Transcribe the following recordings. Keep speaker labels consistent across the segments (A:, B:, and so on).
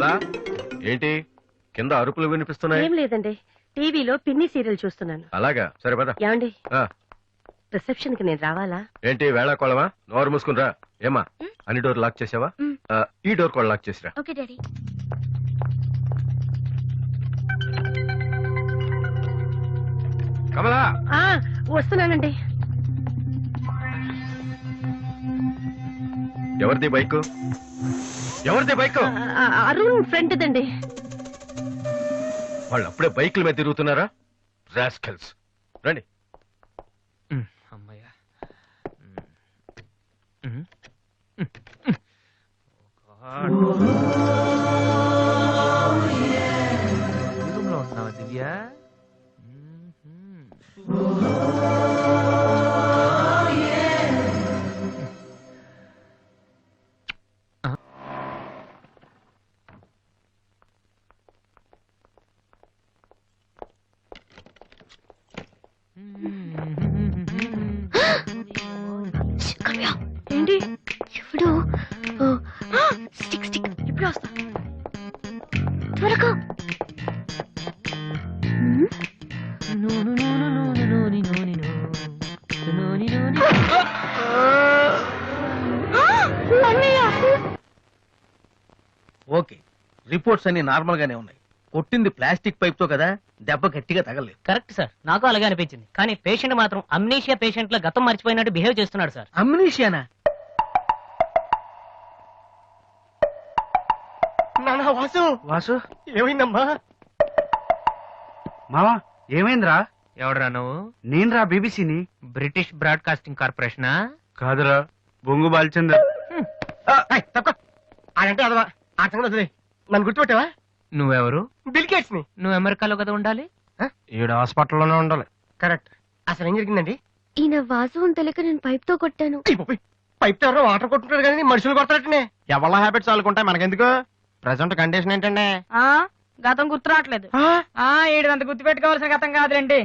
A: కమలా ఏంటి కింద అరుపులు వినిపిస్తున్నాయి?
B: ఏం లేదండి, టీవీలో పిన్ని సీరియల్ చూస్తున్నాను.
A: అలాగా, సరే పద.
B: ఏమండి, రిసెప్షన్ కి నేను రావాలా?
A: ఏంటి వేళ కోళవా? నోరు మూసుకునిరా. ఏమా అన్ని డోర్ లాక్ చేసావా? ఈ డోర్ కూడా లాక్ చేసిరా.
C: Okay daddy.
A: కమలా
B: వస్తున్నానండి.
A: ఎవరిది బైక్? ఎవరిది బైక్?
B: అరుణ్ ఫ్రెండ్ దండి.
A: వాళ్ళు అప్పుడే బైకుల మీద తిరుగుతున్నారా? రాస్కెల్స్. రండి.
D: అమ్మయ్యా. రూమ్లో ఉంటున్నావా దివ్య?
B: ఏంటి?
C: ఇప్పుడు స్టిక్ స్టిక్ ఇప్పుడు వస్తా త్వరగా.
E: ఓకే, రిపోర్ట్స్ అన్ని నార్మల్ గానే ఉన్నాయి. కొట్టింది ప్లాస్టిక్ పైప్ తో కదా, దెబ్బ గట్టిగా తగలేదు.
F: కరెక్ట్ సార్, నాకు అలాగే అనిపించింది. కానీ పేషెంట్ మాత్రం అమ్నీషియా పేషెంట్ లో గతం మర్చిపోయినట్టు బిహేవ్ చేస్తున్నాడు సార్.
E: అమ్నీషియానా?
G: వాసు
E: వాసు
G: ఏమైందమ్మా?
E: మావా ఏమైందిరా?
D: ఎవడరా నువ్వు?
E: నేనురా, బీబీసీని.
D: British broadcasting కార్పొరేషనా?
E: కాదురా, బొంగు బాల్చందర్.
G: అదంటే అదవా ఆ సంగతి వదిలేయ్. నన్ను గుర్తుపెట్టావా?
D: నువ్వెవరు?
G: బిల్ గేట్స్ ని.
D: నువ్వు అమెరికాలో కదా ఉండాలి.
E: ఈడ హాస్పిటల్లోనే ఉండాలి.
G: కరెక్ట్. అసలు ఏం జరిగిందండి?
C: ఈయన వాసు అని తెలియక నేను పైప్ తో కొట్టాను.
G: పైప్ తో ఎవరో వాటర్ కొట్టుకుంటారు కానీ మనుషులు కొడతారటనే.
E: ఎవళ్ళ హ్యాబిట్స్ వాళ్ళకుంటాయి, మనకెందుకు? ప్రెసెంట్ కండిషన్ ఏంటండి?
B: గతం గుర్తు రావట్లేదు. ఏడంత గుర్తు పెట్టుకోవాల్సిన గతం కాదులేండి.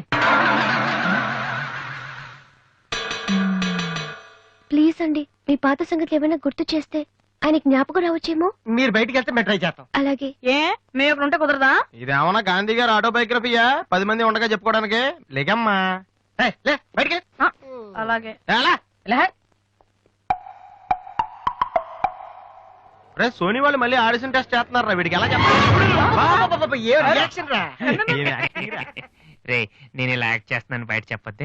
C: ప్లీజ్ అండి, మీ పాత సంగతి ఏమైనా గుర్తు చేస్తే ఆయన జ్ఞాపకం రావచ్చేమో.
G: మీరు బయటికి వెళ్తే మేము ట్రై చేస్తాం.
C: అలాగే.
B: ఏ మేము ఇక్కడ ఉంటే కుదరదా?
E: ఇదేమన్నా గాంధీ గారు ఆటోబయోగ్రఫీయా 10 మంది ఉండగా చెప్పుకోవడానికి? లేకమ్మా.
G: లే బయటికి
B: అలాగే.
E: సోనీ వాళ్ళు మళ్ళీ ఆడిషన్ టెస్ట్ చేస్తున్నారా? వీడికి ఎలా చెప్పాలి?
G: ఏ రియాక్షన్ రా?
D: రే, నేను ఇలా యాక్ట్ చేస్తున్నాను బయట చెప్పొద్దే.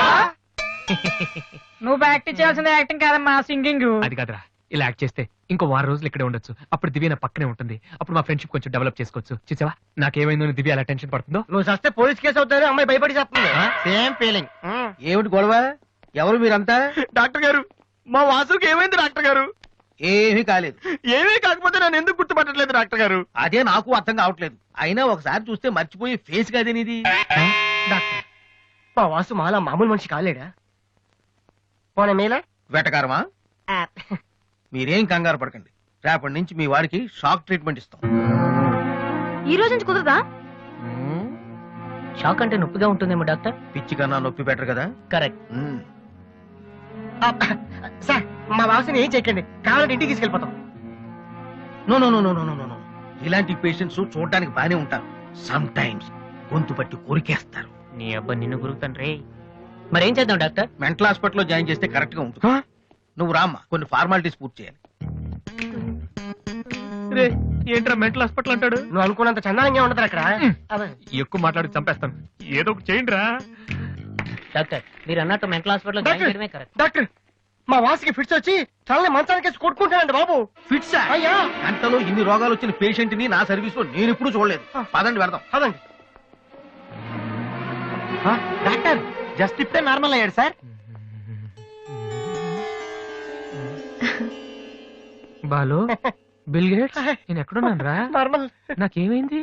B: నువ్వు యాక్టింగ్ చేయాల్సింది యాక్టింగ్ కాదమ్మా, సింగింగ్.
D: అది కాదురా, ఇలా యాక్ట్ చేస్తే ఇంకో 6 రోజులు ఇక్కడే ఉండొచ్చు. అప్పుడు దివ్య నా పక్కనే ఉంటుంది. అప్పుడు మా ఫ్రెండ్షిప్ కొంచెం డెవలప్ చేసుకోవచ్చు. చూసావా నాకేమైందో దివ్య అలా టెన్షన్ పడుతుందో.
G: నువ్వు చస్తే పోలీస్ కేసు అవుతారు, అమ్మాయి భయపడి చేస్తుంది.
E: Same feeling. ఏమిటి గొడవ? ఎవరు మీరంతా?
G: డాక్టర్ గారు, మా వాసుకి ఏమైంది డాక్టర్ గారు?
E: ఏమీ కాలేదు.
G: ఏమీ కాకపోతే నన్ను ఎందుకు గుర్తుపట్టట్లేదు డాక్టర్ గారు?
E: అదే నాకు అర్థం కావట్లేదు. అయినా ఒకసారి చూస్తే మర్చిపోయి ఫేస్ కాదే నీది.
G: డాక్టర్, మా వాసు మాలా మామూలు మనిషి కాలేడా? పోన మేలా
E: వెటకారమా? మీరేం కంగారు పడకండి. రేపటి నుంచి మీ వాడికి షాక్ ట్రీట్మెంట్ ఇస్తాం.
B: ఈ రోజు నుంచి కుదరదా?
F: షాక్ అంటే నొప్పిగా ఉంటుందేమో డాక్టర్.
E: పిచ్చి కన్నా నొప్పి బెటర్ కదా.
F: కరెక్ట్.
G: సార్, మా వాసుని ఏం చేయకండి, కావాలంటే ఇంటికి తీసుకెళ్ళిపోతాం.
E: No no no no no no no. ఇలాంటి పేషెంట్స్ చూడడానికి బానే ఉంటారు. సమ్ టైమ్స్ గొంతు పట్టి కొరికేస్తారు.
D: నీ అబ్బా నిన్ను గురుతాను రే.
F: మరేం చేద్దాం డాక్టర్?
E: మెంటల్ హాస్పిటల్లో జాయిన్ చేస్తే కరెక్ట్ గా ఉంటుంది. నువ్వు రామ్మా, కొన్ని ఫార్మాలిటీస్ పూర్తి చేయాలి.
D: రే, ఏంట్రా మెంటల్ హాస్పిటల్ అంటాడు?
G: నువ్వు అనుకున్నంత చందానంగా ఉండదు అక్కడ.
D: ఎక్కువ మాట్లాడి చంపేస్తాను. ఏదో ఒకటి చేయండి రా.
F: డాక్టర్, మీరు అన్నట్టు మెంటల్ హాస్పిటల్ జాయిన్ చేయడమే కరెక్ట్.
G: డాక్టర్, మా వాసుకి ఫిట్స్ వచ్చి చాలా మంచానికి కొట్టుకుంటానండి బాబు.
E: ఫిట్స్
G: అయ్యా,
E: గంటలో ఇన్ని రోగాలు వచ్చిన పేషెంట్ ని నా సర్వీస్ లో నేను ఎప్పుడు చూడలేదు. పదండి వెళ్దాం.
G: అదండి. డాక్టర్, జస్ట్ ఇప్పుడే నార్మల్ అయ్యాడు సార్.
D: బాలు, బిల్ గేట్స్, నేను ఎక్కడున్నాను రా?
G: నార్మల్.
D: నాకేమైంది?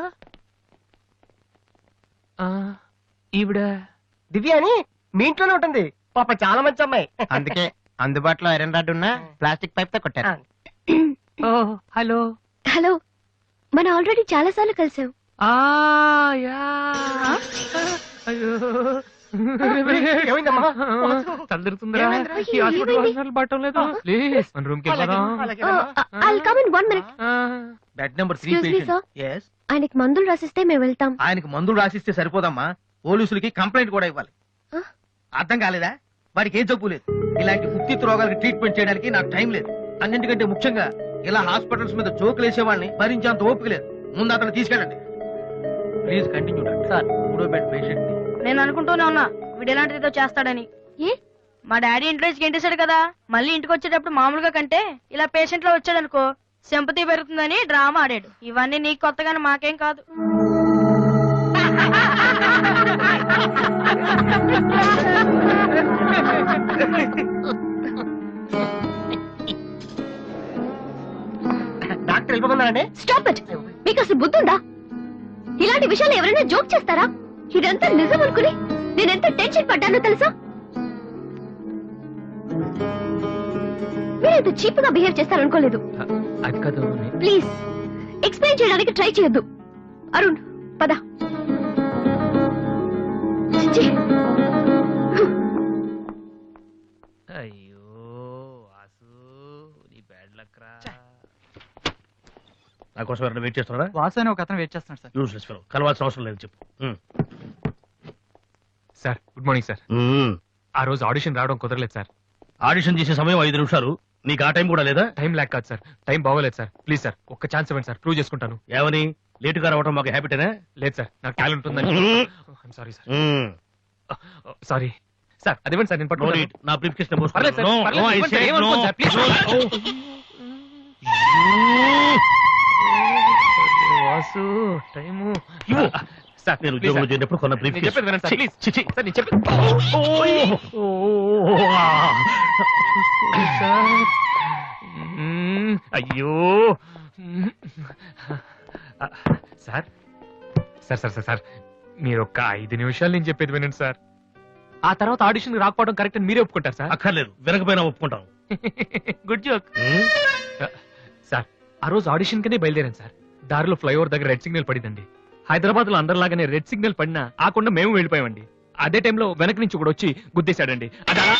D: ఈవిడ
G: దివ్య అని మీ ఇంట్లోనే ఉంటుంది. పాప చాలా మంచి అమ్మాయి.
E: అందుకే అందుబాటులో ఐరన్ రాడ్ ఉన్న ప్లాస్టిక్ పైప్ తో కొట్టారు.
D: Oh hello.
C: హలో, మనం ఆల్రెడీ చాలా సార్లు కలిసాం.
D: యా. అయ్యో
G: ఏమైందమ్మా? వాసు,
D: తలదిరుతుందిరా
G: ఏమైందిరా?
D: ఈ హాస్పిటల్
C: ఏమైంది?
D: వాసనలు పట్టం లేదు ప్లీజ్ మన రూమ్ కి వెళ్దాం
C: I'll come in 1 minute.
E: Bed number 3
C: Excuse me, sir.
E: Patient yes
C: ఆయనకి మందులు రాసిస్తే మేము వెళ్తాం.
E: ఆయనకి మందులు రాసిస్తే సరిపోదమ్మా, పోలీసులకి కంప్లైంట్ కూడా ఇవ్వాలి.
C: ఆ?
E: అర్థం కాలేదా? వాడికి ఏం జబ్బు లేదు. ఇలాంటి ఉత్తిత్ రోగాలకి ట్రీట్మెంట్ చేయడానికి నాకు టైం లేదు. అన్నింటికంటే ముఖ్యంగా ఇలా హాస్పిటల్స్ మీద జోకులు వేసే వాళ్ళని భరించేంత ఓపిక లేదు. ముందు అతను తీసుకెళ్ళండి. Please continue sir. 3వ బెడ్ పేషెంట్ ని
B: నేను అనుకుంటూనే ఉన్నా వీడు ఎలాంటిది ఏదో చేస్తాడని.
C: ఏ
B: మా డాడీ ఇంట్లో గెంటేశాడు కదా, మళ్ళీ ఇంటికి వచ్చేటప్పుడు మామూలుగా కంటే ఇలా పేషెంట్ లో వచ్చాడనుకో సింపతి పెరుగుతుందని డ్రామా ఆడాడు. ఇవన్నీ నీకు కొత్తగానే మాకేం కాదు.
G: డాక్టర్ వెళ్ళిపోతున్నారండి.
C: Stop it. మీకు అసలు బుద్ధి ఉందా? ఇలాంటి విషయాలు ఎవరైనా జోక్ చేస్తారా? ఇదంతా నిజం అనుకుని నేను ఎంత టెన్షన్ పడ్డానో తెలుసా? మీరు ఇంత చీప్ గా బిహేవ్ చేస్తారనుకోలేదు.
D: అది కాదు
C: ప్లీజ్ ఎక్స్ప్లెయిన్ చేయడానికి ట్రై చేయొద్దు. అరుణ్ పద. చిచ్చి.
D: అయ్యో వాసు నీ బ్యాడ్ లక్ రా
E: నా కోసం ఎవరైనా వెయిట్ చేస్తున్నారా?
H: వాసు అని ఒక అతను వెయిట్ చేస్తున్నాడు సార్.
E: యూస్లెస్ ఫెలో, కలవాల్సిన అవసరం లేదు చెప్పు.
D: Sir good morning sir. ఆ రోజు ఆడిషన్ రావడం కుదరలేదు సార్.
E: ఆడిషన్ చేసే సమయం 5 నిమిషాలు, నీకు ఆ టైం కూడా లేదా?
D: టైం లేక కాదు సార్, టైం బాగోలేదు సార్. ప్లీజ్ సార్ ఒక్క ఛాన్స్ ఇవ్వండి సార్, ప్రూవ్ చేసుకుంటాను.
E: ఏమని లేటుగా రావడం మాకు హ్యాబిటేనా?
D: లేదు సార్ నాకు టాలెంట్ ఉందని. Sorry sir, sorry sir. అదేమండి సార్ నేను
E: No
D: పట్టుకోలేదు.
E: need. నా బ్రీఫ్ కేస్
D: పర్లేదు సార్, పర్లేదు, ఇవ్వండి సార్, ఏమనుకోండి sir, please. Vasu time sir
E: నేను
D: ప్లీజ్
E: ఉద్యోగంలో
D: సార్.
E: చేరినప్పుడు కొన్న బ్రీఫ్
D: నేను చెప్పేది వినండి సార్, ప్లీజ్. సార్ నేను చెప్పేది సార్. అయ్యో sir sir sir sir sir మీరు ఒక్క 5 నిమిషాలు నేను చెప్పేది వినండి సార్. ఆ తర్వాత ఆడిషన్ రాకపోవడం కరెక్ట్ అని మీరే ఒప్పుకుంటారు సార్.
E: అక్కర్లేదు, వినకపోయినా ఒప్పుకుంటాం.
D: Good joke sir. ఆ రోజు ఆడిషన్ కనే బయలుదేరాను సార్. దారిలో ఫ్లైఓవర్ దగ్గర రెడ్ సిగ్నల్ పడిందండి. హైదరాబాద్ లో అందరిలాగానే రెడ్ సిగ్నల్ పడినా ఆకుండా మేము వెళ్ళిపోయామండి. అదే టైంలో వెనక నుంచి కూడా వచ్చి గుద్దేశాడండి. అది అలా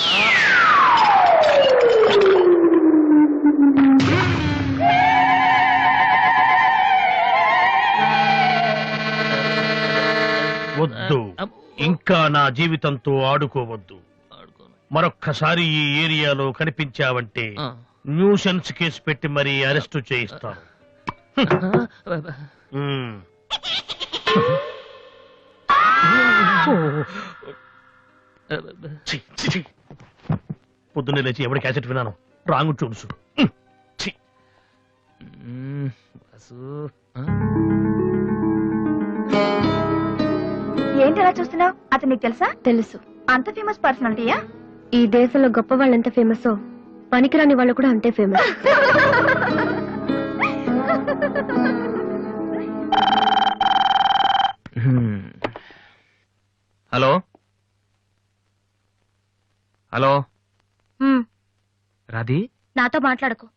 E: వద్దు, ఇంకా నా జీవితంతో ఆడుకోవద్దు. మరొక్కసారి ఈ ఏరియాలో కనిపించావంటే న్యూసెన్స్ కేసు పెట్టి మరీ అరెస్టు చేయిస్తాను. పొద్దున్నే లేచి ఎవరి క్యాసెట్ విన్నాను, రాంగ్ చూడుసు.
C: ఏంటి అలా చూస్తున్నావు? అతను నీకు తెలుసా? తెలుసు. అంత ఫేమస్ పర్సనాలిటీయా? ఈ దేశంలో గొప్ప వాళ్ళు ఎంత ఫేమస్, పనికిరాని వాళ్ళు కూడా అంతే ఫేమస్.
D: హలో హలో రాధి,
C: నాతో మాట్లాడకు.